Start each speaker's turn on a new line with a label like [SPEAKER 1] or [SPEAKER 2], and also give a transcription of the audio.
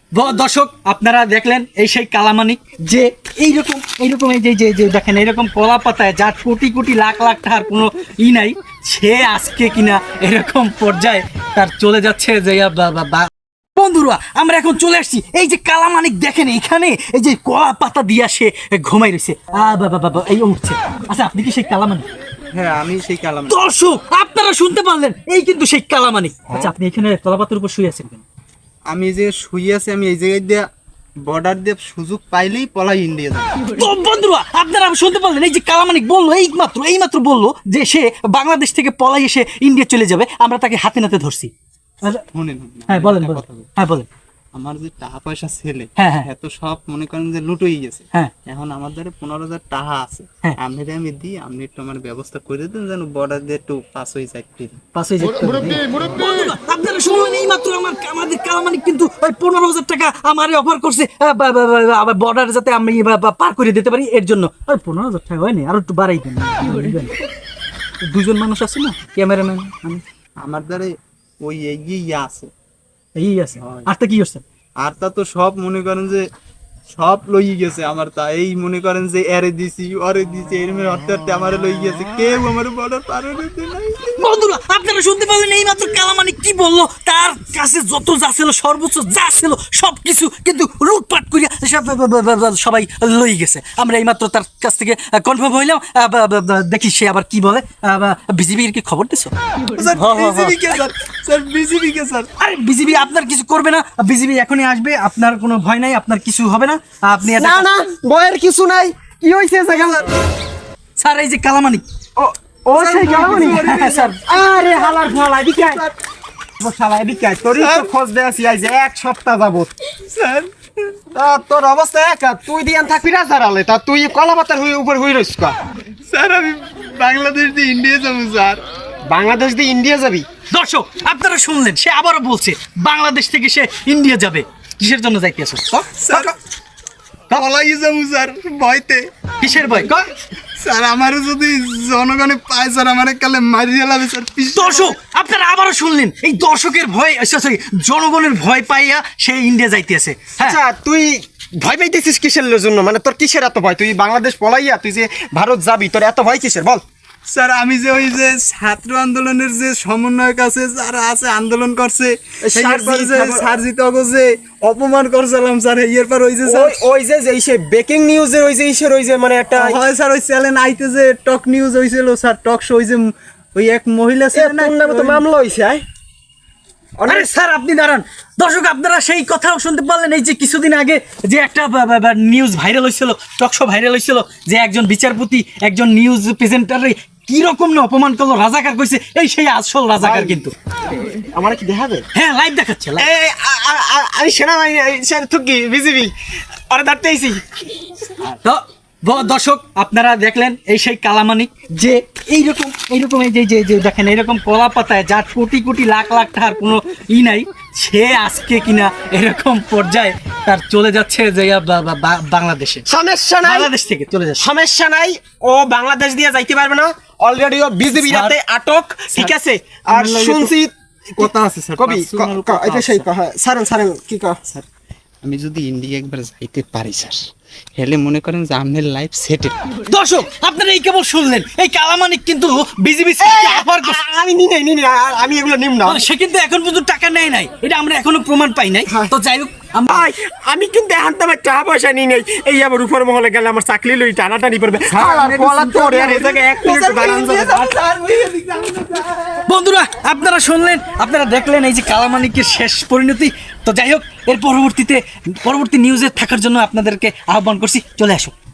[SPEAKER 1] দর্শক আপনারা দেখলেন এই সেই কালামানিক যে এইরকম এই যে দেখেন এইরকম কলা পাতায় যার কোটি কোটি লাখ লাখ টাকার কোনো নাই, সে আজকে কিনা এরকম পর্যায়ে তার চলে যাচ্ছে যে বন্ধুরা আমরা এখন চলে আসছি এই যে কালামানিক দেখেন এখানে এই যে কলা পাতা দিয়া সে ঘুমাই রয়েছে বাবা এই উঠছে। আচ্ছা আপনি কি সেই কালামানিক?
[SPEAKER 2] হ্যাঁ আমি সেই কালামানিক।
[SPEAKER 1] দর্শক আপনারা শুনতে পারলেন এই কিন্তু সেই কালামানিক। আচ্ছা আপনি এখানে কলা পাতার উপর শুয়ে আছেন কেন?
[SPEAKER 2] আমি যে শুয়ে আছি আমি এই জায়গায় দিয়ে বর্ডার দিয়ে সুযোগ পাইলেই পলাই ইন্ডিয়া যাবো।
[SPEAKER 1] তো বন্ধুরা আপনারা শুনতে পারলেন এই যে কালামানিক বললো এইমাত্র বললো যে সে বাংলাদেশ থেকে পলাই এসে ইন্ডিয়া চলে যাবে, আমরা তাকে হাতে নাতে ধরছি।
[SPEAKER 2] শুনেন,
[SPEAKER 1] হ্যাঁ বলেন বলেন।
[SPEAKER 2] আমার যে টাকা পয়সা ছেলে
[SPEAKER 1] হ্যাঁ
[SPEAKER 2] এত সব মনে করেন যে লুটোই গেছে।
[SPEAKER 1] হ্যাঁ
[SPEAKER 2] এখন আমার দ্বারা 15,000 টাকা আছে,
[SPEAKER 1] হ্যাঁ।
[SPEAKER 2] আমি দিই, আপনি একটু আমার ব্যবস্থা করে দেন যেন বর্ডার দিয়ে একটু পাস হয়ে যায়।
[SPEAKER 1] আপনারা শুনলেন এইমাত্র আমাদের কালামানিক কিন্তু ওই 15,000 টাকা আমারে অফার করছে আবার বর্ডার যাতে আমি পার করে দিতে পারি, এর জন্য। আর 15,000 টাকা হয়নি, আরো একটু বাড়াই দেন। দুজন মানুষ আছে না, ক্যামেরাম্যান
[SPEAKER 2] আমার দ্বারা ওই এগিয়ে আছে
[SPEAKER 1] এই আছে। আর তা কি করছেন?
[SPEAKER 2] আর তা তো সব মনে করেন যে সব লই গেছে আমার, তা এই মনে করেন যে এরে দিছি ওরে দিছি এরমে হতে হতে আমারে লই গেছে, কেউ আমার বর্ডার পার হইতে নাই।
[SPEAKER 1] বন্ধুরা আপনারা শুনতে পারলেন এইমাত্র কালামানিক কি বললো, তার কাছে যত যা ছিল সর্বোচ্চ যা ছিল সবকিছু কিন্তু লুটপাট করিয়া সবাই লই গেছে। আমরা এইমাত্র তার কাছ থেকে কনফার্ম হইলাম, দেখি সে আবার কি বলে। বিজিবির কি খবর দিছো? আরে বিজিবি আপনার কিছু করবে না, বিজিবি এখনই আসবে, আপনার কোনো ভয় নাই, আপনার কিছু হবে না। আপনি
[SPEAKER 3] না ভয়ের কিছু নাই। কি হইছে
[SPEAKER 1] স্যার এই যে কালামানিক
[SPEAKER 3] ও সেই কালামানিক
[SPEAKER 1] স্যার।
[SPEAKER 3] আরে হালার ফালা এদিকে আয়। ও শালা এদিকে আয়, তোরই তো খোঁজ দেয়াছি আজ এক সপ্তাহ যাবত।
[SPEAKER 2] স্যার
[SPEAKER 3] তোর অবস্থা একা, তুই দিয়ান থাকবি না জারালে, তা তুই কলা পাতার উপর হই রইস কা।
[SPEAKER 2] স্যার আমি বাংলাদেশ দিয়ে ইন্ডিয়া যাবো স্যার।
[SPEAKER 3] বাংলাদেশ দিয়ে ইন্ডিয়া যাবি?
[SPEAKER 1] দর্শক আপনারা শুনলেন, সে আবারও বলছে বাংলাদেশ থেকে সে ইন্ডিয়া যাবে। কিসের জন্য যাইতে আসো?
[SPEAKER 2] স্যার পলাই যাবো স্যার ভয়তে।
[SPEAKER 1] কিসের ভয়?
[SPEAKER 2] স্যার আমারও যদি জনগণে পায় স্যার আমার কালে মারিয়ে লাবে স্যার।
[SPEAKER 1] দর্শক আপনারা আবারও শুনলেন, এই দর্শকের ভয় সরি জনগণের ভয় পাইয়া সে ইন্ডিয়া যাইতে আছে।
[SPEAKER 3] আচ্ছা তুই ভয় পাইতেছিস কিসের জন্য? মানে তোর কিসের এত ভয়? তুই বাংলাদেশ পলাইয়া তুই যে ভারত যাবি, তোর এত ভয় কিসের বল?
[SPEAKER 2] স্যার আমি যে ওই যে ছাত্র আন্দোলনের যে সমন্বয়ক আছে যারা আছে আন্দোলন করছে, সারজিৎ যে অপমান করছিলাম স্যার, এর পর ওই যে
[SPEAKER 3] ওই যে সে ব্রেকিং নিউজের ওই যে ইসের ওই যে মানে একটা
[SPEAKER 2] হয় স্যার ওই চ্যানেল আইতে যে টক নিউজ হয়েছিল স্যার, টক শো, ওই যে ওই এক মহিলা ছিল না,
[SPEAKER 3] তো মামলা হয়েছে।
[SPEAKER 1] আরে স্যার আপনি দাঁড়ান। দর্শক আপনারা সেই কথাও শুনতে পারলেন, এই যে কিছুদিন আগে যে একটা নিউজ ভাইরাল হয়েছিল, টক শো ভাইরাল হয়েছিল, যে একজন বিচারপতি একজন নিউজ প্রেজেন্টারে কিরকম না অপমান করলো, রাজাকার কইছে। এই সেই আসল রাজাকার কিন্তু।
[SPEAKER 3] আমার কি দেখাবে?
[SPEAKER 1] হ্যাঁ লাইভ দেখাচ্ছে।
[SPEAKER 3] আমি সেনাবাহিনী থুকি বিজিবি আরে ধরতেইছি।
[SPEAKER 1] তো দর্শক আপনারা দেখলেন এই সেই কালামানিক যে এইরকম এই যে দেখেন এইরকম কলা পাতায় যার কোটি কোটি লাখ লাখ টাকার কোনো নাই, সে আজকে কিনা এরকম পর্যায়ে তার চলে যাচ্ছে যে বাংলাদেশে।
[SPEAKER 3] সমস্যা নাই,
[SPEAKER 1] বাংলাদেশ থেকে চলে যাচ্ছে,
[SPEAKER 3] সমস্যা নাই। ও বাংলাদেশ দিয়ে যাইতে পারবে না, অলরেডি ও বিজিবি রাতে আটক, ঠিক আছে? আর শুনছি
[SPEAKER 2] কথা আছে স্যার,
[SPEAKER 3] কবি এটা সেই সারেন কি কহ
[SPEAKER 2] স্যার আমি যদি ইন্ডিয়া একবার যাইতে পারি স্যার, হেলে মনে করেন যে আপনার লাইফ সেটেল।
[SPEAKER 1] দর্শক আপনারা এই কেবল শুনলেন, এই কালামানিক কিন্তু বিজিবি অফার করছে।
[SPEAKER 3] আমি আমি এগুলো নিম না।
[SPEAKER 1] সে কিন্তু এখন পর্যন্ত টাকা নেয় নাই, এটা আমরা এখনো প্রমাণ পাই নাই। তো যাই হোক
[SPEAKER 3] আমি কিন্তু এখন তো আমার টাকা পয়সা নিই নাই। এই আবার উপর মহলে গেলে আমার চাকরি লই টানাটানি পড়বে।
[SPEAKER 1] বন্ধুরা আপনারা শুনলেন, আপনারা দেখলেন এই যে কালামানিকের শেষ পরিণতি। তো যাই হোক এর পরবর্তী নিউজে থাকার জন্য আপনাদেরকে আহ্বান করছি, চলে আসো।